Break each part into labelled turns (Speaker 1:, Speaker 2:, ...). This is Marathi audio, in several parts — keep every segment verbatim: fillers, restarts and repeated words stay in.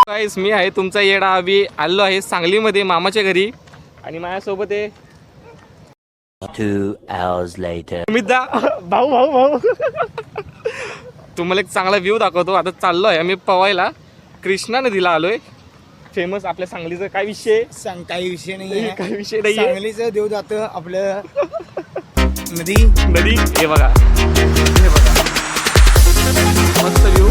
Speaker 1: गाईस मी आहे तुमचा येडा अभि आलो आहे सांगलीमध्ये मामाच्या घरी आणि माझ्यासोबत आहे
Speaker 2: Two hours later.
Speaker 1: मिदा भाऊ भाऊ भाऊ तुम्हाला एक चांगला व्ह्यू दाखवतो. आता चाललो आहे आम्ही पवायला कृष्णा नदीला आलोय. फेमस आपल्या सांगलीचा काय विषय
Speaker 3: सांग काही विषय नाही
Speaker 1: काही विषय नाही
Speaker 3: सांगलीचं देव जातं आपलं नदी
Speaker 1: नदी. हे बघा हे बघा मस्त व्ह्यू.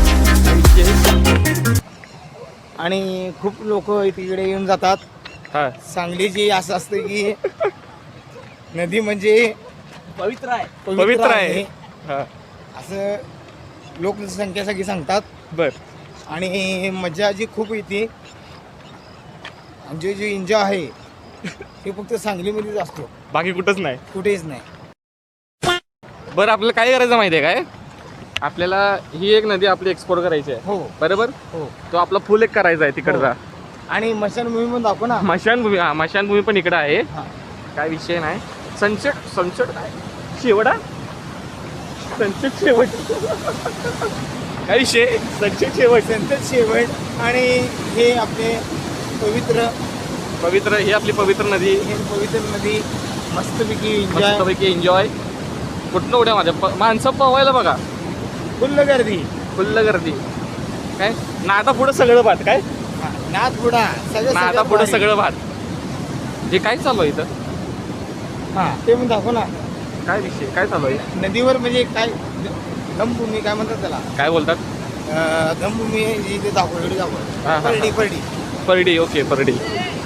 Speaker 3: आणि खूप लोक तिकडे येऊन जातात.
Speaker 1: हा
Speaker 3: सांगलीची असं असतं की नदी म्हणजे
Speaker 1: पवित्र आहे पवित्र आहे हा
Speaker 3: असं लोकसंख्या सगळी सांगतात.
Speaker 1: बर
Speaker 3: आणि मजा जी खूप येते आणि जे जे एन्जॉय आहे ते फक्त सांगलीमध्येच असतो,
Speaker 1: बाकी कुठंच नाही
Speaker 3: कुठेच नाही.
Speaker 1: बरं आपल्याला काय करायचं माहिती आहे काय? आपल्याला ही एक नदी आपली एक्सप्लोर करायची आहे.
Speaker 3: हो
Speaker 1: बरोबर.
Speaker 3: हो
Speaker 1: तो आपला फुल एक करायचा आहे तिकडचा.
Speaker 3: आणि मशानभूमी पण दाखव ना.
Speaker 1: मशानभूमी हा मशानभूमी पण इकडं आहे.
Speaker 3: हा.
Speaker 1: काय विषय नाही. सनसेट सनसेट काय शेवडा सनसेट शेवट काय विषय सनसेट शेवट
Speaker 3: संत शेवट आणि हे आपले पवित्र
Speaker 1: पवित्र ही आपली पवित्र नदी.
Speaker 3: हे पवित्र नदी मस्तपैकी एन्जॉय.
Speaker 1: मस्तपैकी एन्जॉय. कुठनं उड्या माझ्या प- माणसं पवायला बघा
Speaker 3: फुल्ल गर्दी.
Speaker 1: फुल्ल गर्दी. काय ना आता पुढं सगळं भात काय
Speaker 3: नाथ पुढा सगळं
Speaker 1: ना आता
Speaker 3: सगळं
Speaker 1: पुढं
Speaker 3: भारी.
Speaker 1: सगळं भात. हे काय चालू आहे इथं?
Speaker 3: हा ते पण दाखव ना.
Speaker 1: काय विषय काय चालू आहे?
Speaker 3: नदीवर म्हणजे काय धमभूमी काय म्हणतात त्याला,
Speaker 1: काय बोलतात?
Speaker 3: अं, धमभूमी ही ते दाखव एवढी
Speaker 1: हा,
Speaker 3: दाखव
Speaker 1: हा.
Speaker 3: परडी परडी
Speaker 1: परडी. ओके परडी.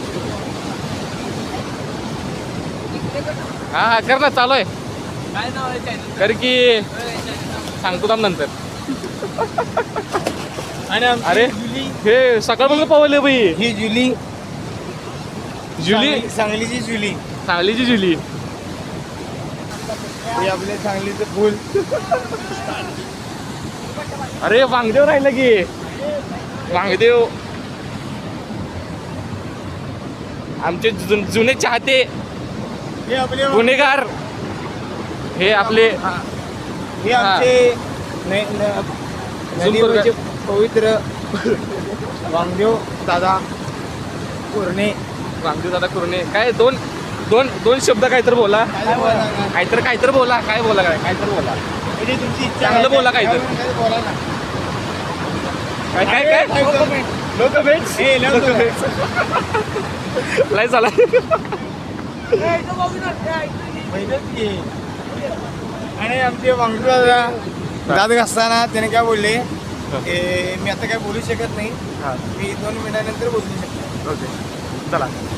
Speaker 1: हा हा कर ना चालू आहे.
Speaker 3: काय नाव आहे
Speaker 1: कर की सांगतो थांब नंतर.
Speaker 3: आणि आमची
Speaker 1: अरे
Speaker 3: जुली
Speaker 1: हे सकाळपासून पवले बाई
Speaker 3: ही जुली
Speaker 1: जुली
Speaker 3: सांगली- सांगलीची जुली.
Speaker 1: सांगलीची जुली.
Speaker 3: हे आपले सांगलीचं फुल.
Speaker 1: अरे वांगदेव राहिलं की वांगदेव आमचे जु- जुने चाहते
Speaker 3: हे आपले
Speaker 1: गुन्हेगार हे आपले
Speaker 3: हा. हे आमचे न- न- नदीवरचे पवित्र वामदेव दादा कोरणे.
Speaker 1: वांगदेव दादा कुरणे. काय दोन दोन दोन शब्द काहीतरी बोला
Speaker 3: काय बोला?
Speaker 1: काहीतरी काहीतरी बोला काय बोला काय काहीतरी बोला
Speaker 3: म्हणजे तुमची इच्छा
Speaker 1: चांगलं
Speaker 3: आहे,
Speaker 1: बोला काहीतरी.
Speaker 3: काय बोला ना.
Speaker 1: काय काय काय
Speaker 3: लोक भेट हे लोक भेट.
Speaker 1: लय झाला.
Speaker 3: पहिलंच की. आणि आमचे वामदेव दादा दात घासताना त्याने काय बोलले, ए, मी आता काय बोलू शकत नाही,
Speaker 1: हा
Speaker 3: मी दोन मिनिटानंतर बोलू शकतो.
Speaker 1: ओके चला.